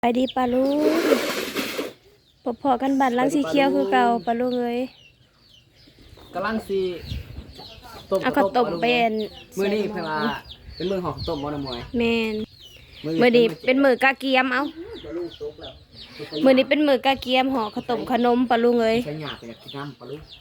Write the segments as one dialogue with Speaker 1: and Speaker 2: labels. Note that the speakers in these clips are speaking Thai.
Speaker 1: ไปดีปลาลูกพอๆกันบัดลังสีเขียวคือเก่าปลาลูกเลย
Speaker 2: กำลังสีต้ม
Speaker 1: เอาข้าวต้มเป็น
Speaker 2: มื้อนี้เพิ่นว่าเป็นมื้อของข้าวต้มบ่น้ำมวย
Speaker 1: แมนมื้อนี้เป็นมื้อกะเกียมเอามื้อนี้เป็นมื้อกะเกียมห่อข้าวต้มขนมปลาลูกเลย
Speaker 2: ใช้หยาไปอยากกินน้ำปลาลูก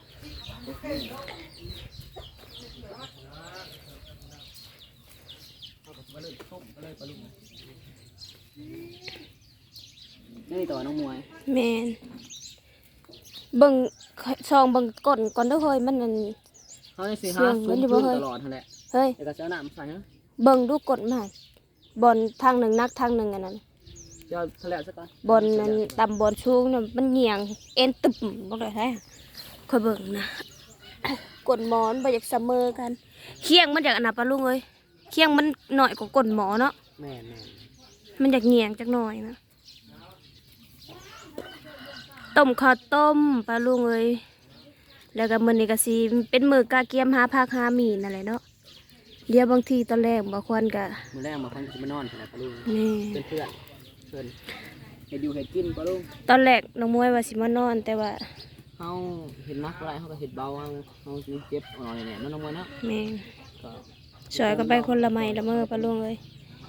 Speaker 2: นี่ต่อน้องมวย
Speaker 1: แมนเบิ่งซองเบิ่งก่อนเด้อเฮ้ยมันนั่น
Speaker 2: เขาสิหาซุ้มพื้นตลอดนั่นแหละ
Speaker 1: เฮ้ย
Speaker 2: แล้วก็จะเอาน้ำใส่ฮะ
Speaker 1: เบิ่งดูกดมาบอลทางหนึ่งนักทางหนึ่งอันนั้น
Speaker 2: เดี๋ยวทะเลซะก่อน
Speaker 1: บอลนั้นต่ำบอลสูงน่ะมันเหี่ยงเอ็นตึบบ่ได้แท้ค่อยเบิ่งนะกดหมอนบ่อยากเสมอกันเคียงมันจากอันน่ะปะลุงเอ้ยเคียงมันหน่อยกว่ากดหมอเนาะ
Speaker 2: แม่
Speaker 1: มันอยากเหี่ยงจักหน่อยนะต้มข้าวต้มปลาลุงเอ้ยแล้วก็มื้อนี้ก็สิเป็นมื้อกะเกียมหาผักหาหมี่นั่นแหละเนาะเดี๋ยวบางทีตอนแรกบ่ควรก็
Speaker 2: มื้อแรกมาเพิ่นสิมานอนปลาลูก
Speaker 1: นี่
Speaker 2: เป็นเพื่อนเพิ่นเฮ็ดอยู่เฮ็ดกินปลาลูก
Speaker 1: ตอนแรกน้องมวยว่าสิมานอนแต่ว่า
Speaker 2: เฮาเฮ็ดนักบ่ได้เฮาก็เฮ็ดเบาเฮาสิเจ็บเอาหน่อยแน่น้องมวยเนาะ
Speaker 1: แม่
Speaker 2: ก็
Speaker 1: ช่วยกันไปคนละไม้ละมือปลาลุงเอ้ย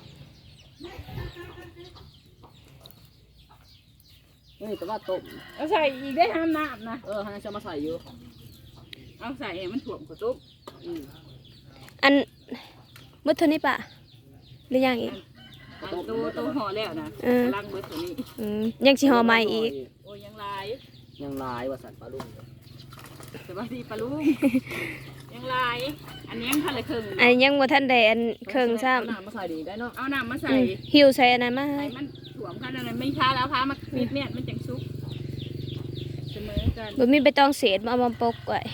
Speaker 2: นี่แต่ว่าต้ม
Speaker 3: เอาใส่อีกได้ห้ามน้ำนะ
Speaker 2: เฮาจะมาใส่อยู่
Speaker 3: เอาใส่ให้มันถ่วมกระตุก
Speaker 1: อันมืดเท่านี้ปะหรือยังอีก
Speaker 3: ตัวห่อแล้วนะล้างมือตัวนี้
Speaker 1: ยังสิห่อใหม่อีก
Speaker 3: โอ้ยังลาย
Speaker 2: ว่าสันปลาลูก
Speaker 3: สวัสดีปลาลูกยังลายอันนี้ยังทันเลยครึ่ง
Speaker 1: อันยังบ่ทันได้อันเครื่องซ้ำ
Speaker 2: น้ำมาใส่ดีได้เนาะ
Speaker 3: เอาน้ำมาใส่
Speaker 1: หิวใส่อันนั้นมาให้
Speaker 3: มันถ่วมกันอะไรไม่ช้าแล้วพามาปิดเนี่ยมันจังซุกเสมอกัน
Speaker 1: บ่มีใบตองเศษเอามาปกไว้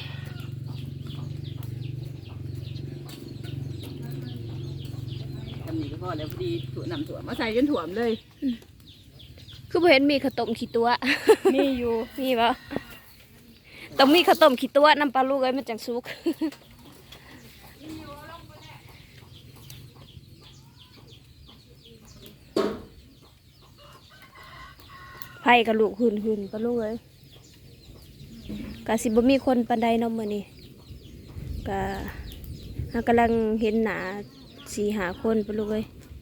Speaker 3: ทำนี่ก็พอแล้วพอดีถั่วน้ำถั่วมาใส่จนถ่วมเลย
Speaker 1: คือบ่เห็นมีข้าวต้มขี้ตัว
Speaker 3: มีอยู่
Speaker 1: มีบ่ต้องมีข้าวต้มขี้ตัวน้ำปลาลูกเอ้ยมันจังสุกไผกับลูกหื่นปลาลูกเอ้ยก็สิบ่มีคนปานใดเนาะมื้อนี้ก็เฮากำลังเห็นหน้า4-5 คนปลาลูกเอ้ย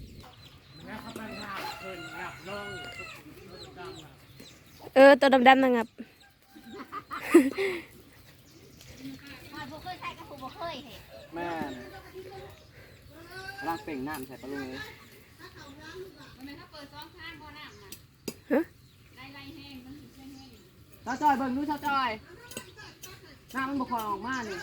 Speaker 1: ตัวดำๆนะครับ
Speaker 2: แม่ล้างเป่งน้ำใส่ปลาลูกเลยชาวจอยเบิ่งดูชาวจอยน้ำมันบกคอออกมาเนี่ย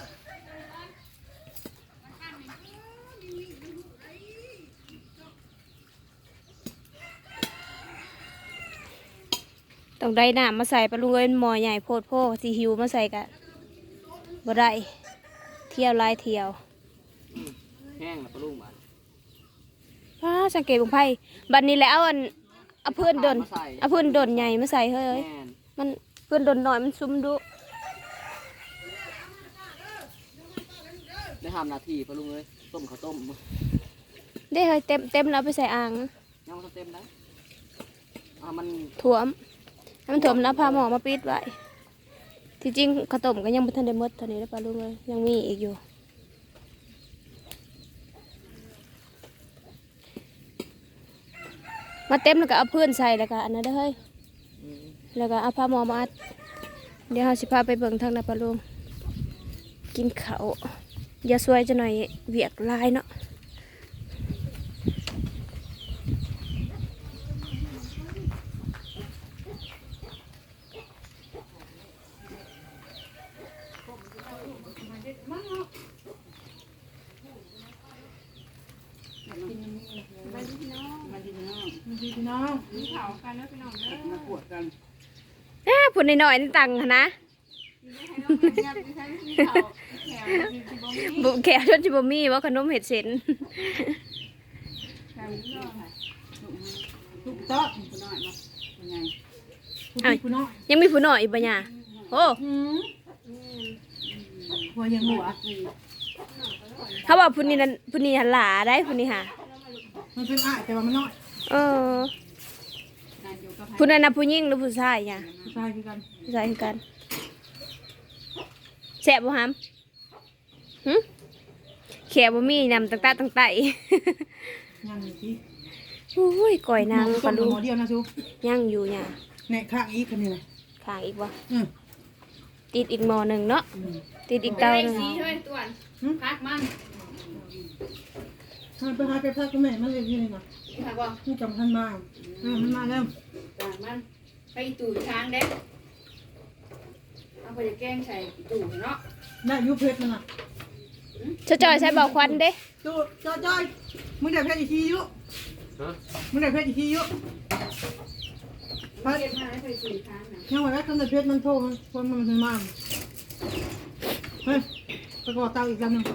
Speaker 1: ต้องได้น้ำมาใส่ปลาลูกเอ้ยหม้อใหญ่โพดโพสิหิวมาใส่กะบ่ได้เที่ยวลายเที่ยว
Speaker 2: แห้งแล้วปลาลูกมา
Speaker 1: สังเกตบุงไผ่บัดนี้แล้วเอาเพื่อนดนใหญ่มาใส่เฮ้ยมันเพื่อนดนหน่อยมันซุ่มดุ
Speaker 2: ได้ทำนาทีปลาลูกเลยต้มข้าวต้ม
Speaker 1: ได้เฮ้ยเต็มแล้วไปใส่อ่าง
Speaker 2: ยังมันเต็มนะมัน
Speaker 1: ถ่วมให้มันถ่วมแล้วพาหมอมาปิดไว้ที่จริงข้าวต้มก็ยังไม่ทันได้หมดเท่านี้แล้วปลาลูกเลยยังมีอีกอยู่มาเต็มแล้วก็เอาเพื่อนใส่แล้วก็อันนั้นได้เฮ้ยแล้วก็เอาผ้าหมอมาอัดเดี๋ยวเราสิพาไปเบิ่งทางนาปลาลุงกินข้าวอย่าสวยจะหน่อยเวียกลายเนาะ
Speaker 3: พี่น้องมีเผากันแล้วพี่น้องเด้อมาปวดกัน
Speaker 1: พูดหน่อยนี่ตังค์นะบุแขวชนจิบมีว่าขนมเห็ดเส้น
Speaker 3: ทุกโต๊ะผู้น้อยมาผู้น้อย
Speaker 1: ยังมีผู้น้อยอีกปะเนี่ยโอ้
Speaker 3: หัวยังหัว
Speaker 1: เขาบอกผู้นี้หันหลาได้ผู้นี้ค่ะ
Speaker 3: มันเป็นอ้ายแต่ว่ามันน้อย
Speaker 1: ผู้นั้นน่ะผู้หญิงหรือผู้ชายเนี่ย
Speaker 3: ใช่คือกัน
Speaker 1: ผู้ชายคือกันแซ่บบ่หำหึแขวบ่มีนำตั้งๆตั้งไต
Speaker 3: ยังอยู่ที่
Speaker 1: อุ้ยก่อยนางปลาลู
Speaker 3: หมอเดียวนะซู
Speaker 1: ยังอยู่เนี่ย
Speaker 3: ในข้างอีกคนนี้นะ
Speaker 1: ข้างอีกบ่
Speaker 3: อืม
Speaker 1: ติดอีกหม้อหนึงเนาะติดอีกเตาหนึง
Speaker 3: มันไปหาไปพักกับแม่มันเลยที่นี่นะนี่จำทันมามันมาแล้ว
Speaker 4: มันไปตู่ทางเด็กเอาไปแกงใส่ตู่เนาะ
Speaker 3: ได้ยุเพชรมันอ่ะ
Speaker 1: จอยใช้บ่อควันเด้
Speaker 3: จูจ้อยมึงได้เพชรอีกทียุมึงได้เพชรอีกทียุพัด
Speaker 4: เก็บมาแล้วไปตู่ทางนะ
Speaker 3: ยังไงแล้วตอนเพชรมันโทรมันคนมันถึงมาเฮ้ยไปก่อเตาอีกลำหนึ่ง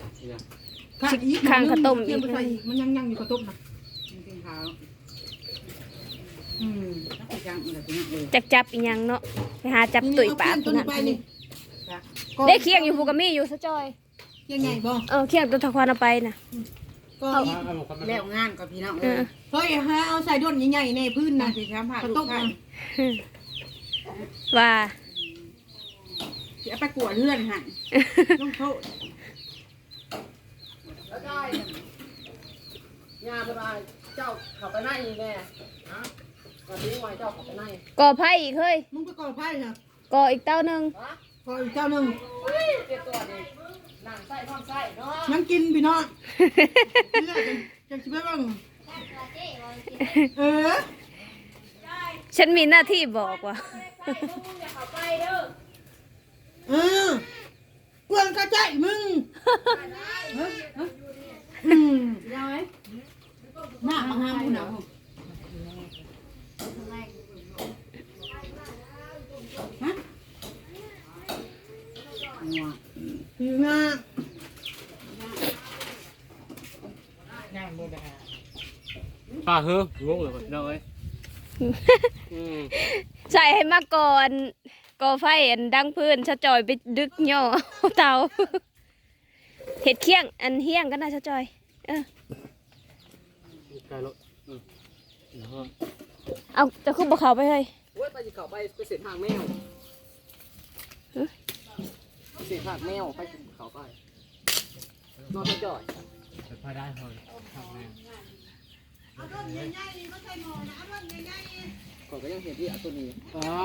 Speaker 3: มันยังอยู่กระต้มนะ
Speaker 4: เป็นขาว
Speaker 3: แล้วก็ยังอะไรเป็นอย่าง
Speaker 1: จับอีหยังเนาะไปหาจับตุ๋ยปาก
Speaker 3: ตัว
Speaker 1: นั่
Speaker 3: นี้
Speaker 1: น
Speaker 3: ไปนี่
Speaker 1: ได้เคียงอยู่ภูกะมีอยู่ซะจอย
Speaker 3: ยังไงบ่
Speaker 1: เคียงตัวทะควันเอาไปน่ะ
Speaker 3: ก็
Speaker 4: แล้วงานกับพี่น้อง
Speaker 1: เออ
Speaker 3: เฮ้ยฮะเอาใส่ด้นใหญ่ๆในพื้นนะ
Speaker 4: สิช้ำผ่าก
Speaker 3: ระ
Speaker 4: ลู
Speaker 3: ต้
Speaker 4: ก
Speaker 3: ม
Speaker 4: ไข่
Speaker 1: ว่า
Speaker 4: จะไปกวดเลื่อนหัน
Speaker 3: ต้องโทษ
Speaker 2: แล้วได้ยาเป็นไรเจ้าเข้าไปในแน่ฮะก่อนที่ไว้เจ้าเข้าไปใน
Speaker 1: ก่อไผ่อีกเฮ้ย
Speaker 3: มึงไปก่อไพ่นะ
Speaker 1: ก่ออีกเต้าหนึง
Speaker 3: ก่ออีกเจ้าหนึ่ง
Speaker 2: เจ็บตัวนี่นั่งไส้ท้องไส้เนาะ
Speaker 3: ยังกินพี่น้องเลือดจะชิบบ้างเออ
Speaker 1: ฉันมีหน้าที่บอกว่า
Speaker 3: เออเพื่อนกระจายมึง
Speaker 4: ยังไง
Speaker 3: หน้ามาห้ามกูหนาวฮะคือหน้า
Speaker 2: ป่าเฮ้งงเลยน้อย
Speaker 1: ใส่ให้มาก่อนก่อไฟอันดังพื้นชะจอยไปดึกย่อเอาเตาเห็ดเคียงอันเฮียงก็น่าชะจอย
Speaker 2: ไกลรถ
Speaker 1: เอาจะขึ้นบ่เขาไปเฮ้ย
Speaker 2: เว้ยไปจะเข้าไปเสร็จทางแมวเสร็จทางแมวไปเข้าไปนอนจ่อยไปได้พอทางแมวก่อนก็ยังเห็นที่อัตัวนี้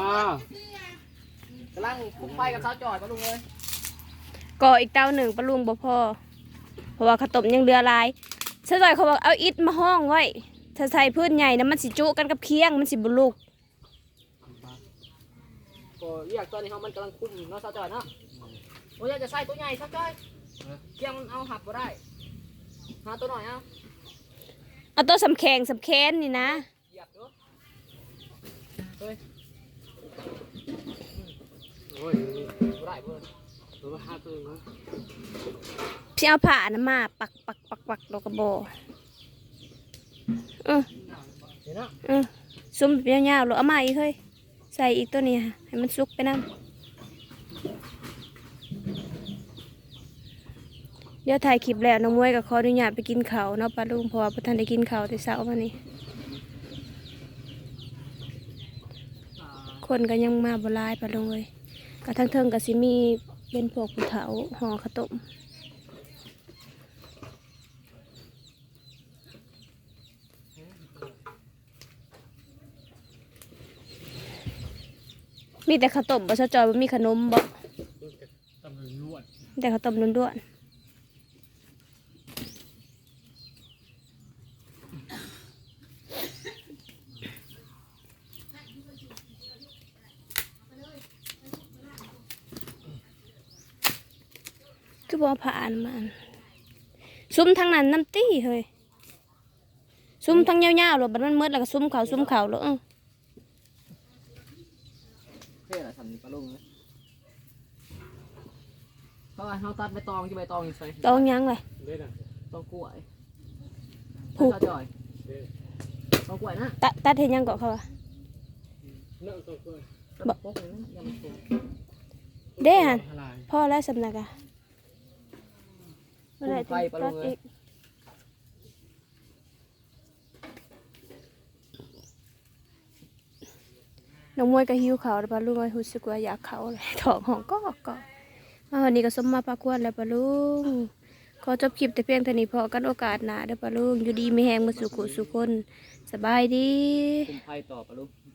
Speaker 2: กำลังพุ่งไปกับเขาจ่อยปะลุงเลย
Speaker 1: ก่ออีกเต้าหนึ่งปลาลุงบ่พอเพราะว่าขาวต้มยังเรือหลายชะจอยเขาบอกเอาอิฐมาห้องไว้ถ้าใส่พื้นใหญ่นะมันสิจุกันกับเคียงมันสิบ่ลุก
Speaker 2: ก็เรียกตัวนี้เขามันกำลังคุ้มเนาะเขาจ่อยเนาะโอ้ยจะใส่ตัวใหญ่เขาจ่อยเคียงมันเอาหับก็ได้หาตัวหน่อยเอา
Speaker 1: เอาตัวสำแข็งสำแค้นนี่นะ
Speaker 2: เหยียบดูเฮ้ยโอ้ยบ่ได้เพื่อนตัวมาหาตัวนึง
Speaker 1: พี่เอาผ้านะมาปักปักปักปักดอกกระโบ
Speaker 2: เห็นเนาะ
Speaker 1: ซุ่มแบบยาวๆหรือเอามาอีกเฮ้ยใส่อีกตัวนี้ค่ะให้มันสุกไปน้ำเดี๋ยวถ่ายคลิปแล้วน้องมวยกับขออนุญาตไปกินข้าวเนาะป้าลุงเพราะว่าพ่อท่านได้กินข้าวแต่เช้ามานี้คนก็ยังมาบ่หลายป้าลุงเลยก็ทั้งเทิงก็สิมีเป็นพวกผู้เฒ่าห่อข้าวต้มมีแต่ข้าวต้มบ่ซะจอยบ่มีขนมบ่แต่ข้าวต้มล้วนๆคือบ่ผ่านมันซุ้มทางนั้นน้ำตี้เฮ้ยซุ้มทางยาวๆหรอบัดมันมืดแล้วก็ซุ้มเขาหรอ
Speaker 2: เท่ละทำนี่ปลาลุงเลยเพราะว่าเขาตัดใบตองที่ใบตองยังใส่
Speaker 1: ตองยังเลย
Speaker 2: ตองกล้วย
Speaker 1: ผูก
Speaker 2: เขาจ่อยตองกล้วยนะ
Speaker 1: ตัดเห็นยังเกาะเขาอะ
Speaker 2: บอกพวกนี้ยังไม่ถูก
Speaker 1: เด้หันพ่อแล้วสำนักอะเมื่อไหร
Speaker 2: ไปปลาลุ
Speaker 1: ตัด
Speaker 2: งเล
Speaker 1: อี
Speaker 2: ย
Speaker 1: กน้องมวยก็หิวข้าวแล้วปะลุงเอ้ยรู้สึกว่าอยากเข้าเลยท้องห้องก็มาวันนี้ก็สมมาพาควรแล้วปะลุงขอจบคลิปแต่เพียงเท่านี้พอกันโอกาสหน้าเด้อปะลุงอยู่ดีมีแฮงมาสู่กุสู่คนสบายดี
Speaker 2: คุมไพ่ต่อปะลูก